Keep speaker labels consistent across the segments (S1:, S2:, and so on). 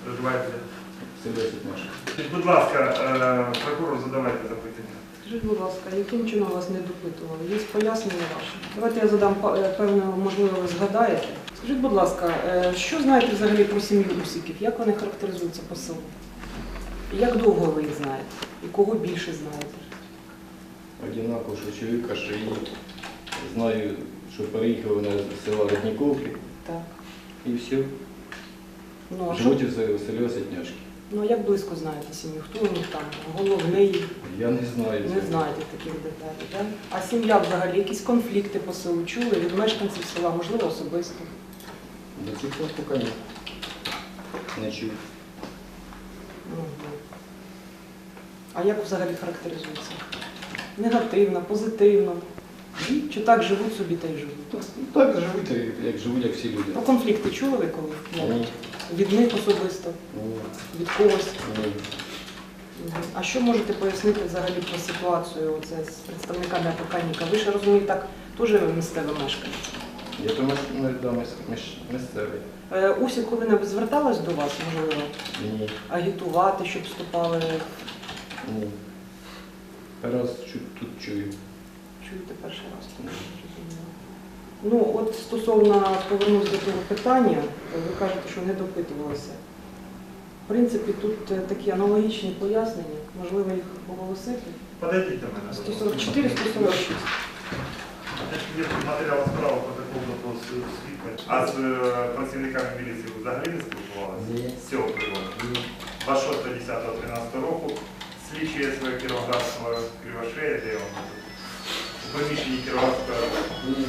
S1: Проживаєте?
S2: Село Сітнеш.
S1: Будь ласка, прокурор, задавайте запитання.
S3: Скажіть, будь ласка, яким чином вас не допитували? Є пояснення ваше? Давайте я задам певне, можливо, ви згадаєте. Скажіть, будь ласка, що знаєте взагалі про сім'ю Усиків? Як вони характеризуються по селу? І як довго ви їх знаєте? І кого більше знаєте?
S2: Одинаково, що чоловіка, що її знаю, що переїхали вона з села Родніковки.
S3: Так.
S2: І все.
S3: Ну, а
S2: Живуть у селі Сітняшки.
S3: Ну, а як близько знаєте сім'ю? Хто у них там? Головний?
S2: Я не знаю.
S3: Не знаєте таких деталей, так? А сім'я взагалі, якісь конфлікти по селу чули від мешканців села, можливо, особисто?
S2: До цих пор поки ні. Не чув.
S3: Угу. А як взагалі характеризується? Негативно, позитивно? Чи так живуть собі та й живуть?
S2: Так живуть, як живуть, як всі люди.
S3: Про конфлікти чули ви коли?
S2: Ні.
S3: Від них особисто?
S2: Ні.
S3: Від когось?
S2: Ні.
S3: Угу. А що можете пояснити взагалі про ситуацію оце, з представниками АПК-ніка? Ви ж, розумієте, так, теж місцеве мешкання.
S2: Я то місцевий.
S3: Усі коли-небудь зверталась до вас, можливо,
S2: Ні.
S3: агітувати, щоб вступали?
S2: Ні. Раз тут чую.
S3: Чуєте перший раз? Ну, от стосовно, повернусь до того питання, ви кажете, що не допитувалися. В принципі, тут такі аналогічні пояснення, можливо, їх оголосити.
S1: Подойдіть до мене.
S3: 144, 146.
S1: Є матеріал справи по такому вопросу свідка. А з працівниками міліції ви взагалі не спілкувалися?
S2: Ні.
S1: З цього приводу? 26.10.13 року слідчий СВ Кіровоградського Кривошея, де він у приміщенні Кіровоградського.
S2: Ні.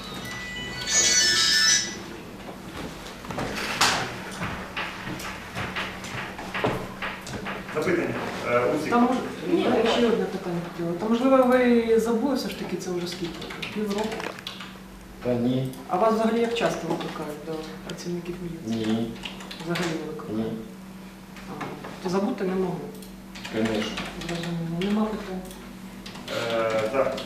S1: Запитання. Усік.
S3: Там, ще одне питання хотіла. Та, можливо, ви забули все ж таки, це вже скільки? Півроку?
S2: Та ні.
S3: А вас взагалі як часто викликають до працівників міліції?
S2: Ні.
S3: Взагалі не викликають?
S2: Ні.
S3: То забути не могли?
S2: Звісно.
S3: Зрозуміло. Нема питань?
S1: Так.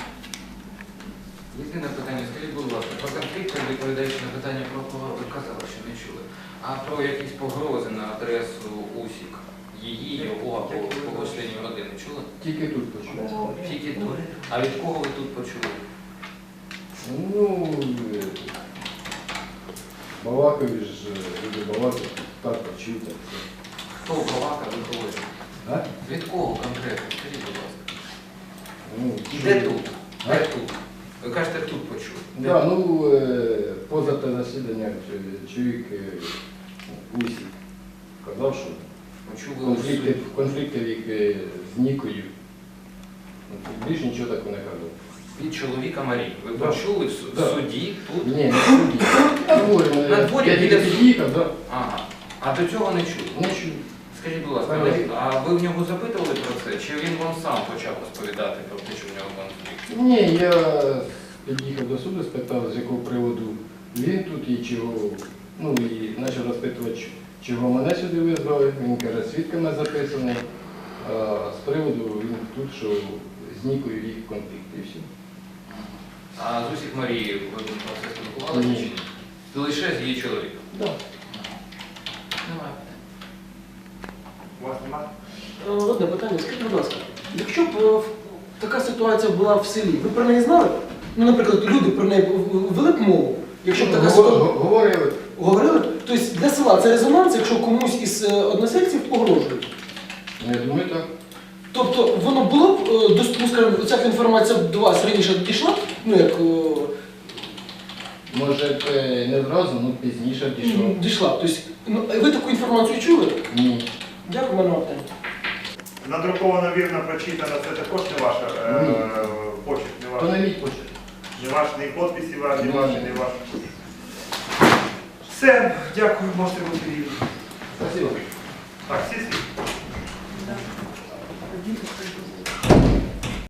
S4: Єдине питання, скажіть, будь ласка, про конфлікт, відповідаючи на питання про кого ви казали, що не чули. А про якісь погрози на адресу Усік, її, його або когось членів родини чули?
S2: Тільки тут почув.
S4: Тільки тут. А від кого ви тут почули?
S2: Ну, балакові ж, люди балакають, так почув, так все.
S4: Хто балакав, від кого?
S2: А?
S4: Від кого конкретно? Скажіть, будь ласка.
S2: Ну,
S4: Де тут? Де тут? Ви кажете, тут почули.
S2: Да, ну, поза те засідання чоловік Усік казав, що
S4: Почули
S2: конфлікти їх з Нікою. Більше нічого такого не казав.
S4: від чоловіка Марії. Ви
S2: Да.
S4: почули в
S2: Да.
S4: суді тут?
S2: Ні, не в суді. На дворі,
S4: На дворі
S2: я
S4: біля
S2: тільки
S4: суду?
S2: під'їхав, да.
S4: Ага. А до цього не чули?
S2: Не чув.
S4: Скажіть, будь ласка, а ви в нього запитували про це? Чи він вам сам почав розповідати про те, що в нього конфлікт?
S2: Ні, я під'їхав до суду, спитав, з якого приводу він тут і чого, ну і почав розпитувати, чого мене сюди визвали. Він каже, свідками записаний. А з приводу він тут, що з Нікою їх конфлікт і все.
S4: А з Усік Марією ви про це спілкувалися
S2: Ні.
S4: чи ні? Лише з її чоловіком?
S2: Да.
S4: Немає.
S1: У вас немає?
S5: Одне питання, скажіть, будь ласка, якщо б така ситуація була в селі, ви про неї знали? Ну, наприклад, люди про неї вели б мову, якщо б така ситуація
S2: Говорили.
S5: говорили, тобто для села це резонанс, якщо комусь із односельців погрожують.
S2: Я думаю, так.
S5: Тобто воно було б, ну, скажімо, ця інформація до вас раніше дійшла, ну як
S2: Може, не зразу, ну пізніше дійшло.
S5: дійшла. Тобто, ну, ви таку інформацію чули?
S2: Ні.
S5: Дякую, мене питання.
S1: Надруковано, вірно, прочитано, це також не ваша почерк, не
S2: То
S1: ваш.
S2: не мій почерк.
S1: Не ваш, ні підписи ваші,
S2: Ні.
S1: ваші, не ваш. Все, дякую, можете бути вільні.
S2: Спасибо.
S1: Так, всі свідки?
S3: Так. Діти,